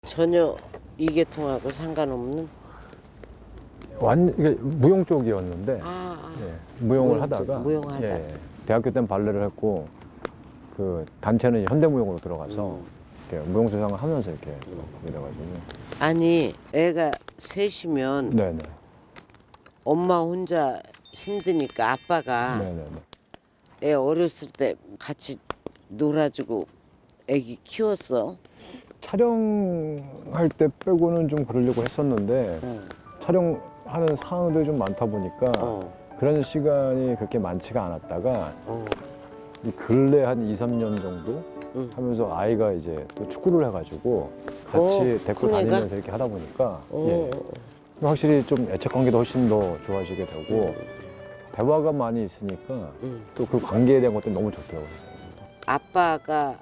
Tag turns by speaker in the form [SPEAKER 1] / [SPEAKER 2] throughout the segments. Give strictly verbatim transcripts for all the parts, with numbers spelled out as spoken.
[SPEAKER 1] 전혀 이계통하고 상관없는?
[SPEAKER 2] 완 이게 무용 쪽이었는데
[SPEAKER 1] 아, 아.
[SPEAKER 2] 예, 무용을
[SPEAKER 1] 무용 쪽,
[SPEAKER 2] 하다가
[SPEAKER 1] 무용하다.
[SPEAKER 2] 예, 대학교 때는 발레를 했고 그 단체는 현대무용으로 들어가서
[SPEAKER 1] 음.
[SPEAKER 2] 이렇게 무용 수상을 하면서 이렇게 이래가지고
[SPEAKER 1] 아니 애가 셋이면
[SPEAKER 2] 네네
[SPEAKER 1] 엄마 혼자 힘드니까 아빠가
[SPEAKER 2] 네네네
[SPEAKER 1] 애 어렸을 때 같이 놀아주고 애기 키웠어.
[SPEAKER 2] 촬영할 때 빼고는 좀 그러려고 했었는데
[SPEAKER 1] 응.
[SPEAKER 2] 촬영하는 상황들이 좀 많다 보니까
[SPEAKER 1] 어,
[SPEAKER 2] 그런 시간이 그렇게 많지가 않았다가
[SPEAKER 1] 어,
[SPEAKER 2] 이 근래 한 이, 삼 년 정도
[SPEAKER 1] 응.
[SPEAKER 2] 하면서 아이가 이제 또 축구를 해가지고 같이
[SPEAKER 1] 어,
[SPEAKER 2] 데리고
[SPEAKER 1] 큰 애가?
[SPEAKER 2] 다니면서 이렇게 하다 보니까
[SPEAKER 1] 어,
[SPEAKER 2] 예, 확실히 좀 애착 관계도 훨씬 더 좋아지게 되고 대화가 많이 있으니까
[SPEAKER 1] 응.
[SPEAKER 2] 또 그 관계에 대한 것도 너무 좋더라고요.
[SPEAKER 1] 아빠가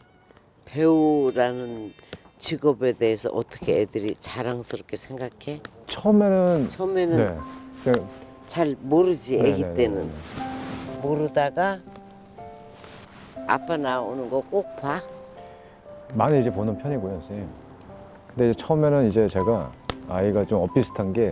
[SPEAKER 1] 배우라는 직업에 대해서 어떻게 애들이 자랑스럽게 생각해?
[SPEAKER 2] 처음에는
[SPEAKER 1] 처음에는
[SPEAKER 2] 네, 그냥
[SPEAKER 1] 잘 모르지. 애기
[SPEAKER 2] 네네네네.
[SPEAKER 1] 때는 모르다가 아빠 나오는 거 꼭 봐.
[SPEAKER 2] 많이 이제 보는 편이고요, 선생님. 근데 이제 처음에는 이제 제가 아이가 좀 엇비슷한 게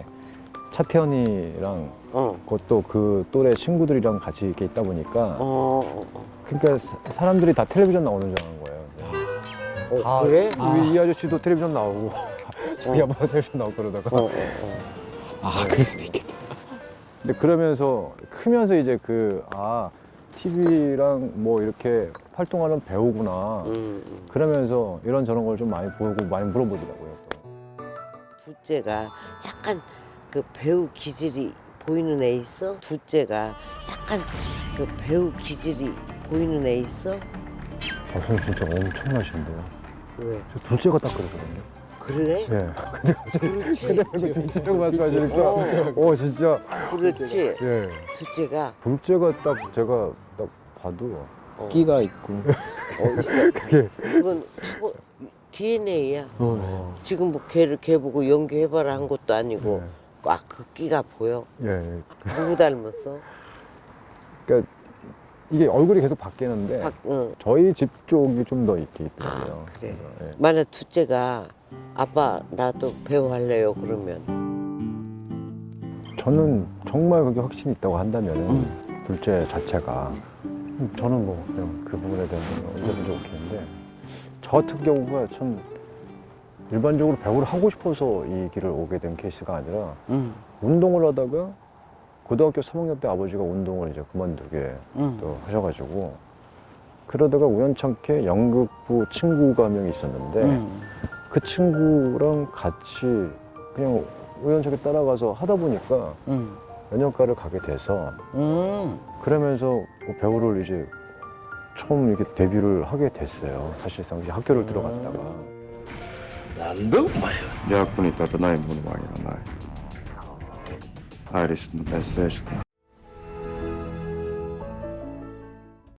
[SPEAKER 2] 차태현이랑
[SPEAKER 1] 어,
[SPEAKER 2] 그것도 그 또래 친구들이랑 같이 이렇게 있다 보니까
[SPEAKER 1] 어, 어,
[SPEAKER 2] 그러니까 사- 사람들이 다 텔레비전 나오는 줄 아는 거예요.
[SPEAKER 1] 어.
[SPEAKER 2] 다
[SPEAKER 1] 그래?
[SPEAKER 2] 이, 이 아저씨도 텔레비전 나오고 저희
[SPEAKER 1] 어.
[SPEAKER 2] 아빠도 텔레비전 나오고 그러다가
[SPEAKER 1] 어, 어, 어.
[SPEAKER 3] 아, 그럴 수도 있겠다.
[SPEAKER 2] 근데 그러면서 크면서 이제 그 아 티비랑 뭐 이렇게 활동하는 배우구나
[SPEAKER 1] 음, 음.
[SPEAKER 2] 그러면서 이런 저런 걸 좀 많이 보고 많이 물어보더라고요. 또.
[SPEAKER 1] 둘째가 약간 그 배우 기질이 보이는 애 있어? 둘째가 약간 그 배우 기질이 보이는 애 있어?
[SPEAKER 2] 아, 선생님 진짜 엄청나신데요.
[SPEAKER 1] 왜?
[SPEAKER 2] 저 둘째가 딱 그러거든요.
[SPEAKER 1] 그래?
[SPEAKER 2] 예. 근데 갑자기
[SPEAKER 1] 그렇지.
[SPEAKER 2] 근데 그 둘째라고 말씀하시니까
[SPEAKER 1] 어.
[SPEAKER 2] 어 진짜
[SPEAKER 1] 그렇지.
[SPEAKER 2] 예.
[SPEAKER 1] 둘째가
[SPEAKER 2] 둘째가 딱 제가 딱 봐도
[SPEAKER 1] 어,
[SPEAKER 3] 끼가 있고.
[SPEAKER 1] 어 있어.
[SPEAKER 2] 그게
[SPEAKER 1] 그건 타고 디엔에이야.
[SPEAKER 3] 어.
[SPEAKER 1] 지금 뭐 걔를 걔 보고 연기해봐라 한 것도 아니고
[SPEAKER 2] 예.
[SPEAKER 1] 아 그 끼가 보여.
[SPEAKER 2] 예. 예.
[SPEAKER 1] 누구 닮았어?
[SPEAKER 2] 그러니까 이게 얼굴이 계속 바뀌는데
[SPEAKER 1] 박, 응.
[SPEAKER 2] 저희 집 쪽이 좀 더 있게 있더라고요.
[SPEAKER 1] 아 그래.
[SPEAKER 2] 그래서, 예.
[SPEAKER 1] 만약 둘째가 아빠 나도 배우 할래요 그러면
[SPEAKER 2] 저는 정말 그게 확신이 있다고 한다면 둘째 자체가 저는 뭐 그냥 그 부분에 대해서는 언제든지 오케이인데 저 같은 경우가 참 일반적으로 배우를 하고 싶어서 이 길을 오게 된 케이스가 아니라
[SPEAKER 1] 응.
[SPEAKER 2] 운동을 하다가 고등학교 삼 학년 때 아버지가 운동을 이제 그만두게
[SPEAKER 1] 응.
[SPEAKER 2] 또 하셔가지고 그러다가 우연찮게 연극부 친구가 한 명이 있었는데
[SPEAKER 1] 응.
[SPEAKER 2] 그 친구랑 같이 그냥 우연찮게 따라가서 하다 보니까
[SPEAKER 1] 응.
[SPEAKER 2] 연영과를 가게 돼서
[SPEAKER 1] 응.
[SPEAKER 2] 그러면서 뭐 배우를 이제 처음 이렇게 데뷔를 하게 됐어요. 사실상 이제 학교를 들어갔다가
[SPEAKER 4] なんだお前は。
[SPEAKER 5] 役に立たないものはいらない。アイリスのメッセージだ。